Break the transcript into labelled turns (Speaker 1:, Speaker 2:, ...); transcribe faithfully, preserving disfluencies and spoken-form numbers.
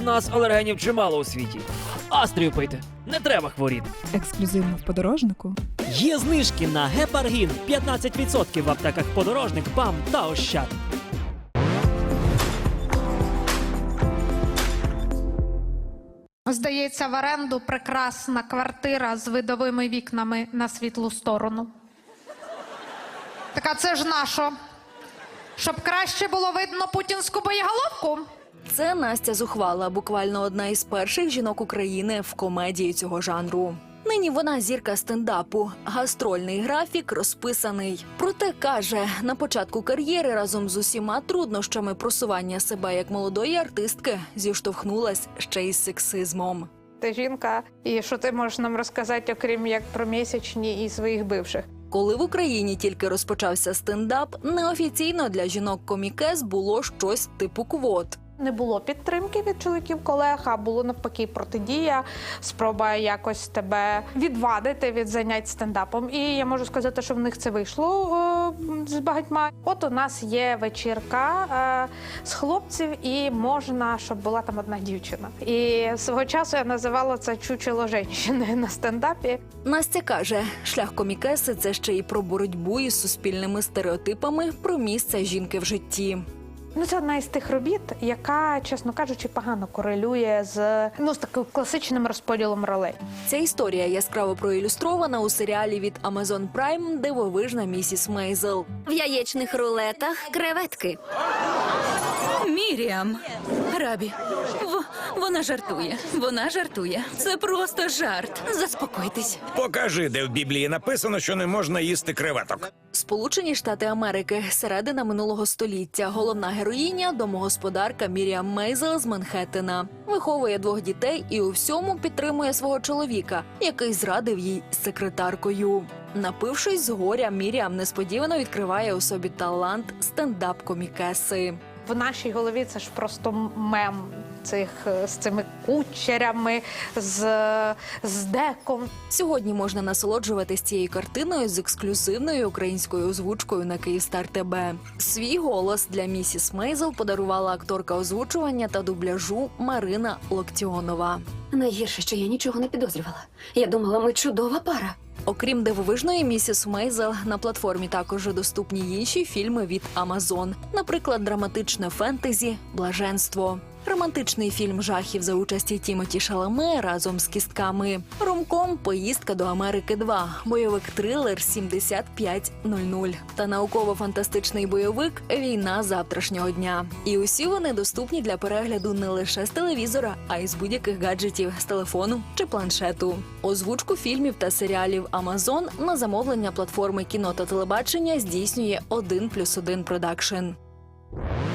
Speaker 1: нас алергенів чимало у світі. Астрію пийте, не треба хворіти.
Speaker 2: Ексклюзивно в подорожнику.
Speaker 3: Є знижки на гепаргін п'ятнадцять відсотків в аптеках «Подорожник», «БАМ» та «Ощад».
Speaker 4: Здається, в оренду прекрасна квартира з видовими вікнами на світлу сторону. Так а це ж нащо? Щоб краще було видно путінську боєголовку?
Speaker 5: Це Настя Зухвала, буквально одна із перших жінок України в комедії цього жанру. Нині вона зірка стендапу. Гастрольний графік розписаний. Проте, каже, на початку кар'єри разом з усіма труднощами просування себе як молодої артистки зіштовхнулась ще й з сексизмом.
Speaker 4: Ти жінка, і що ти можеш нам розказати, окрім як про місячні і своїх бивших?
Speaker 5: Коли в Україні тільки розпочався стендап, неофіційно для жінок-комікес було щось типу квот.
Speaker 4: Не було підтримки від чоловіків-колег, а було навпаки протидія, спроба якось тебе відвадити від занять стендапом. І я можу сказати, що в них це вийшло о, з багатьма. От у нас є вечірка е, з хлопців, і можна, щоб була там одна дівчина. І свого часу я називала це «чучело жінки» на стендапі.
Speaker 5: Настя каже, шлях комікеси – це ще й про боротьбу із суспільними стереотипами про місце жінки в житті.
Speaker 4: Ну, це одна із тих робіт, яка, чесно кажучи, погано корелює з, ну, з таким класичним розподілом ролей.
Speaker 5: Ця історія яскраво проілюстрована у серіалі від Amazon Prime «Дивовижна місіс Мейзел».
Speaker 6: В яєчних рулетах креветки.
Speaker 7: Міріам. Рабі. В... Вона жартує. Вона жартує. Це просто жарт. Заспокойтесь.
Speaker 8: Покажи, де в Біблії написано, що не можна їсти креветок.
Speaker 5: Сполучені Штати Америки. Середина минулого століття. Головна героїня – домогосподарка Міріам Мейзел з Манхеттена. Виховує двох дітей і у всьому підтримує свого чоловіка, який зрадив їй з секретаркою. Напившись з горя, Міріам несподівано відкриває у собі талант стендап-комікеси.
Speaker 4: В нашій голові це ж просто мем цих, з цими кучерями, з, з деком.
Speaker 5: Сьогодні можна насолоджуватись цією картиною з ексклюзивною українською озвучкою на Київстар ТБ. Свій голос для місіс Мейзел подарувала акторка озвучування та дубляжу Марина Локтіонова.
Speaker 6: Найгірше, що я нічого не підозрювала. Я думала, ми чудова пара.
Speaker 5: Окрім дивовижної місіс Мейзел, на платформі також доступні інші фільми від Amazon. Наприклад, драматичне фентезі «Блаженство». Романтичний фільм жахів за участі Тімоті Шаламе разом з кістками. Ромком «Поїздка до Америки два», бойовик-трилер «сімдесят п'ять нуль нуль» та науково-фантастичний бойовик «Війна завтрашнього дня». І усі вони доступні для перегляду не лише з телевізора, а й з будь-яких гаджетів, з телефону чи планшету. Озвучку фільмів та серіалів Amazon на замовлення платформи кіно та телебачення здійснює один плюс один продакшн.